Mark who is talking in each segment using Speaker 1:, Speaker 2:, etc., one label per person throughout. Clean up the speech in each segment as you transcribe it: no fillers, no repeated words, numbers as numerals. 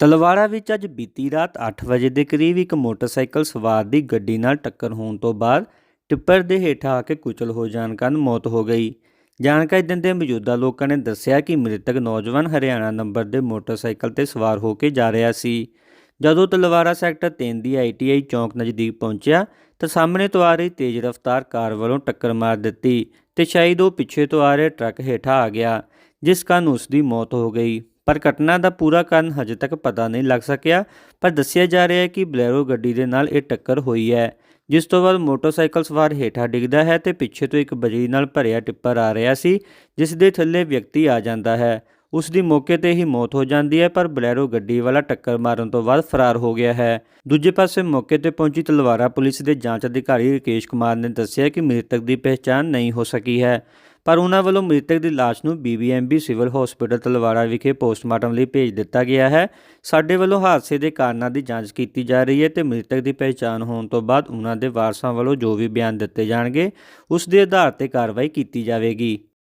Speaker 1: ਤਲਵਾੜਾ ਵਿੱਚ ਅੱਜ ਬੀਤੀ ਰਾਤ 8 ਵਜੇ ਦੇ ਕਰੀਬ ਇੱਕ ਮੋਟਰਸਾਈਕਲ ਸਵਾਰ ਦੀ ਗੱਡੀ ਨਾਲ ਟੱਕਰ ਹੋਣ ਤੋਂ ਬਾਅਦ ਟਿੱਪਰ ਦੇ ਹੇਠਾਂ ਆ ਕੇ ਕੁਚਲ ਹੋ ਜਾਣ ਕਾਰਨ ਮੌਤ ਹੋ ਗਈ। ਜਾਣਕਾਰੀ ਦਿੰਦੇ ਮੌਜੂਦਾ ਲੋਕਾਂ ਨੇ ਦੱਸਿਆ ਕਿ ਮ੍ਰਿਤਕ ਨੌਜਵਾਨ ਹਰਿਆਣਾ ਨੰਬਰ ਦੇ ਮੋਟਰਸਾਈਕਲ ਤੇ ਸਵਾਰ ਹੋ ਕੇ ਜਾ ਰਿਹਾ ਸੀ। ਜਦੋਂ ਤਲਵਾੜਾ ਸੈਕਟਰ 3 ਦੀ ITI ਚੌਂਕ ਨਜ਼ਦੀਕ ਪਹੁੰਚਿਆ ਤਾਂ ਸਾਹਮਣੇ ਤੋਂ ਆ ਰਹੀ ਤੇਜ਼ ਰਫ਼ਤਾਰ ਕਾਰ ਵੱਲੋਂ ਟੱਕਰ ਮਾਰ ਦਿੱਤੀ ਤੇ ਸ਼ਾਇਦ ਉਹ ਪਿੱਛੇ ਤੋਂ ਆ ਰਹੇ ਟਰੱਕ ਹੇਠਾਂ ਆ ਗਿਆ, ਜਿਸ ਕਾਰਨ ਉਸ ਦੀ ਮੌਤ ਹੋ ਗਈ। ਪਰ ਘਟਨਾ ਦਾ ਪੂਰਾ ਕਾਰਨ ਹਜੇ ਤੱਕ ਪਤਾ ਨਹੀਂ ਲੱਗ ਸਕਿਆ, ਪਰ ਦੱਸਿਆ ਜਾ ਰਿਹਾ ਹੈ ਕਿ ਬਲੈਰੋ ਗੱਡੀ ਦੇ ਨਾਲ ਇਹ ਟੱਕਰ ਹੋਈ ਹੈ, ਜਿਸ ਤੋਂ ਬਾਅਦ ਮੋਟਰਸਾਈਕਲ ਸਵਾਰ ਹੇਠਾਂ ਡਿੱਗਦਾ ਹੈ ਤੇ ਪਿੱਛੇ ਤੋਂ ਇੱਕ ਬਜਰੀ ਨਾਲ ਭਰਿਆ ਟਿੱਪਰ ਆ ਰਿਹਾ ਸੀ, ਜਿਸ ਦੇ ਥੱਲੇ ਵਿਅਕਤੀ ਆ ਜਾਂਦਾ ਹੈ। ਉਸ ਦੀ ਮੌਕੇ ਤੇ ਹੀ ਮੌਤ ਹੋ ਜਾਂਦੀ ਹੈ, ਪਰ ਬਲੈਰੋ ਗੱਡੀ ਵਾਲਾ ਟੱਕਰ ਮਾਰਨ ਤੋਂ ਬਾਅਦ ਫਰਾਰ ਹੋ ਗਿਆ ਹੈ। ਦੂਜੇ ਪਾਸੇ ਮੌਕੇ ਤੇ ਪਹੁੰਚੀ ਤਲਵਾੜਾ ਪੁਲਿਸ ਦੇ ਜਾਂਚ ਅਧਿਕਾਰੀ ਰਕੇਸ਼ ਕੁਮਾਰ ਨੇ ਦੱਸਿਆ ਕਿ ਮ੍ਰਿਤਕ ਦੀ ਪਹਿਚਾਣ ਨਹੀਂ ਹੋ ਸਕੀ ਹੈ, ਪਰ ਉਹਨਾਂ ਵੱਲੋਂ ਮ੍ਰਿਤਕ ਦੀ ਲਾਸ਼ ਨੂੰ BBMB ਸਿਵਲ ਹਸਪਤਾਲ ਤਲਵਾੜਾ ਵਿਖੇ ਪੋਸਟਮਾਰਟਮ ਲਈ ਭੇਜ ਦਿੱਤਾ ਗਿਆ ਹੈ। ਸਾਡੇ ਵੱਲੋਂ ਹਾਦਸੇ ਦੇ ਕਾਰਨਾਂ ਦੀ ਜਾਂਚ ਕੀਤੀ ਜਾ ਰਹੀ ਹੈ ਤੇ ਮ੍ਰਿਤਕ ਦੀ ਪਹਿਚਾਣ ਹੋਣ ਤੋਂ ਬਾਅਦ ਉਹਨਾਂ ਦੇ ਵਾਰਸਾਂ ਵੱਲੋਂ ਜੋ ਵੀ ਬਿਆਨ ਦਿੱਤੇ ਜਾਣਗੇ ਉਸ ਦੇ ਆਧਾਰ ਤੇ ਕਾਰਵਾਈ ਕੀਤੀ ਜਾਵੇਗੀ।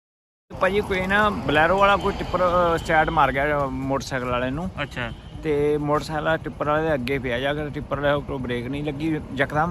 Speaker 2: ਭਾਜੀ ਕੋਈ ਨਾ ਬਲੈਰੋ ਵਾਲਾ ਕੋਈ ਟਿੱਪਰ ਸਾਈਡ ਮਾਰ ਗਿਆ ਮੋਟਰਸਾਈਕਲ ਵਾਲੇ ਨੂੰ। ਅੱਛਾ। ਤੇ ਮੋਟਰਸਾਈਕਲ ਟਿੱਪਰ ਵਾਲੇ ਦੇ ਅੱਗੇ ਪਿਆ ਜਾ ਕੇ ਟਿੱਪਰ ਵਾਲੇ ਕੋਲ ਬ੍ਰੇਕ ਨਹੀਂ ਲੱਗੀ ਯਕਦਮ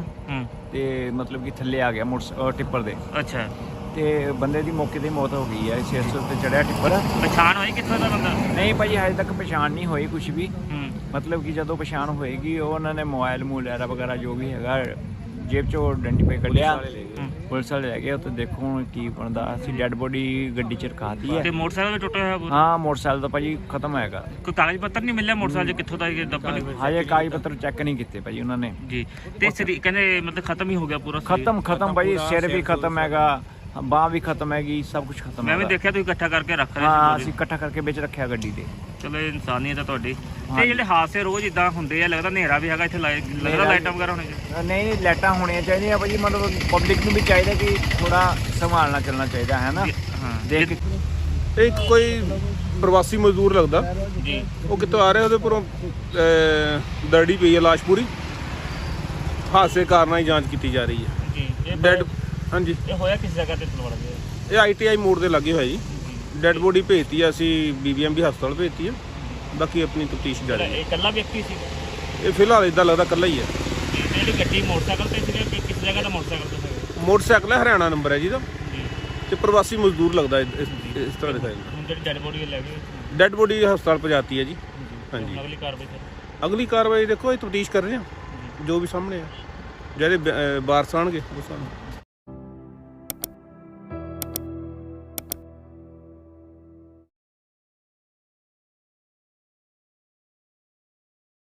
Speaker 2: ਤੇ ਮਤਲਬ ਕਿ ਥੱਲੇ ਆ ਗਿਆ ਟਿੱਪਰ ਦੇ। ਅੱਛਾ। ਤੇ ਬੰਦੇ ਦੀ ਮੌਕੇ ਤੇ ਮੌਤ ਹੋ ਗਈ ਹੈ। 600 ਤੇ ਚੜਿਆ ਟਿੱਪਰ। ਪਛਾਣ ਹੋਈ ਕਿੱਥੋਂ ਦਾ ਬੰਦਾ? ਨਹੀਂ ਭਾਜੀ ਹਜੇ ਤੱਕ ਪਛਾਣ ਨਹੀਂ ਹੋਈ ਕੁਛ ਵੀ। ਮਤਲਬ ਕਿ ਜਦੋਂ ਪਛਾਣ ਹੋਏਗੀ ਉਹਨਾਂ ਨੇ ਮੋਬਾਈਲ ਵਗੈਰਾ ਜੋ ਵੀ ਹੈਗਾ ਜੇਬ ਚੋਂ ਆਇਡੈਂਟੀਫਾਈ ਕਰ ਲਿਆ, ਪੁਲਿਸ ਵਾਲੇ ਲੈ ਗਏ ਉੱਥੇ। ਦੇਖੋ ਹੁਣ ਕੀ ਬਣਦਾ। ਅਸੀਂ ਡੈਡ ਬੋਡੀ ਗੱਡੀ 'ਚ ਰਖਾਤੀ ਹੈ। ਤੇ ਮੋਟਰਸਾਈਕਲ ਵੀ ਟੁੱਟਿਆ ਹੋਇਆ? ਹਾਂ ਮੋਟਰਸਾਈਕਲ ਤਾਂ ਭਾਜੀ ਖਤਮ ਹੈਗਾ। ਕੋਈ ਕਾਗਜ਼ ਪੱਤਰ ਨਹੀਂ ਮਿਲਿਆ ਮੋਟਰਸਾਈਕਲ 'ਚ ਕਿੱਥੋਂ ਦਾ ਹਜੇ ਕਾਗਜ਼ ਪੱਤਰ ਚੈੱਕ ਨਹੀਂ ਕੀਤੇ ਭਾਜੀ ਉਹਨਾਂ ਨੇ ਜੀ। ਤੇ ਕਹਿੰਦੇ ਮਤਲਬ ਖਤਮ ਹੀ ਹੋ ਗਿਆ ਪੂਰਾ? ਖਤਮ ਭਾਜੀ, ਸਿਰ ਵੀ ਖਤਮ ਹੈਗਾ, ਬਾਂਹ ਵੀ ਖਤਮ ਹੈਗੀ, ਸਭ ਕੁਝ ਖਤਮ। ਮੈਂ ਵੀ ਦੇਖਿਆ ਤੁਸੀਂ ਇਕੱਠਾ ਕਰਕੇ ਰੱਖ ਰਹੇ। ਹਾਂ ਅਸੀਂ ਇਕੱਠਾ ਕਰਕੇ ਵਿੱਚ ਰੱਖਿਆ ਗੱਡੀ ਦੇ। ਚਲੋ ਇਨਸਾਨੀਅਤ ਹੈ ਤੁਹਾਡੀ। ਤੇ ਜਿਹੜੇ ਹਾਦਸੇ ਰੋਜ਼ ਇਦਾਂ ਹੁੰਦੇ ਆ, ਲੱਗਦਾ ਹਨੇਰਾ ਵੀ ਹੈਗਾ ਇੱਥੇ, ਲੱਗਦਾ ਲਾਈਟਾਂ ਵਗੈਰਾ ਹੋਣੀਆਂ ਚਾਹੀਦੀਆਂ? ਨਹੀਂ ਲਾਈਟਾਂ ਹੋਣੀਆਂ ਚਾਹੀਦੀਆਂ ਭਾਜੀ। ਮਤਲਬ ਪਬਲਿਕ ਨੂੰ ਵੀ ਚਾਹੀਦਾ ਕਿ ਥੋੜਾ ਸੰਭਾਲਣਾ ਚੱਲਣਾ ਚਾਹੀਦਾ ਹੈ ਨਾ। ਦੇਖ
Speaker 3: ਇੱਕ ਕੋਈ ਪ੍ਰਵਾਸੀ ਮਜ਼ਦੂਰ ਲੱਗਦਾ ਜੀ, ਉਹ ਕਿੱਥੋਂ ਆ ਰਿਹਾ, ਉਹਦੇ ਉੱਪਰੋਂ ਦਰੜੀ ਪਈ ਹੈ ਲਾਸ਼ ਪੂਰੀ। ਹਾਦਸੇ ਕਾਰਨਾਂ ਦੀ ਜਾਂਚ ਕੀਤੀ ਜਾ ਰਹੀ ਹੈ ਜੀ। ਡੈਡ ਹਾਂਜੀ। ਇਹ ਹੋਇਆ ਕਿਸ ਜਗ੍ਹਾ ਤੇ ਤਲਵਾੜਾ ਦੇ? ਇਹ ITI ਮੋੜ ਦੇ ਲੱਗੇ ਹੋਇਆ ਜੀ। ਡੈਡ ਬੋਡੀ ਭੇਜਤੀ ਹੈ ਅਸੀਂ BBMB ਹਸਪਤਾਲ ਭੇਜਤੀ ਹੈ। ਬਾਕੀ ਆਪਣੀ ਤਫਤੀਸ਼ ਜਾਰੀ ਹੈ। ਇਹ ਇਕੱਲਾ ਵਿਅਕਤੀ ਸੀ? ਇਹ ਫਿਲਹਾਲ ਇਦਾਂ ਲੱਗਦਾ ਇਕੱਲਾ ਹੀ ਹੈ। ਜਿਹੜੀ ਗੱਡੀ ਮੋਟਰਸਾਈਕਲ ਤੇ ਸੀ, ਕਿਸ ਜਗ੍ਹਾ ਦਾ ਮੋਟਰਸਾਈਕਲ ਤੇ? ਮੋਟਰਸਾਈਕਲ ਹੈ, ਹਰਿਆਣਾ ਨੰਬਰ ਹੈ ਜੀ ਦਾ। ਤੇ ਪ੍ਰਵਾਸੀ ਮਜ਼ਦੂਰ ਲੱਗਦਾ ਇਸ ਤਰ੍ਹਾਂ ਦਿਖਾਇਆ। ਹੁਣ ਜਿਹੜੀ ਡੈਡ ਬੋਡੀ ਲੈ ਗਏ? ਡੈਡ ਬੋਡੀ ਹਸਪਤਾਲ ਪਹੁੰਚਾਤੀ ਹੈ ਜੀ। ਹਾਂਜੀ। ਅਗਲੀ ਕਾਰਵਾਈ ਸਰ? ਅਗਲੀ ਕਾਰਵਾਈ ਦੇਖੋ ਇਹ ਤਫਤੀਸ਼ ਕਰ ਰਹੇ ਹਾਂ, ਜੋ ਵੀ ਸਾਹਮਣੇ ਆ, ਜਿਹੜੇ ਵਾਰਸ ਆਉਣਗੇ ਉਸ ਨੂੰ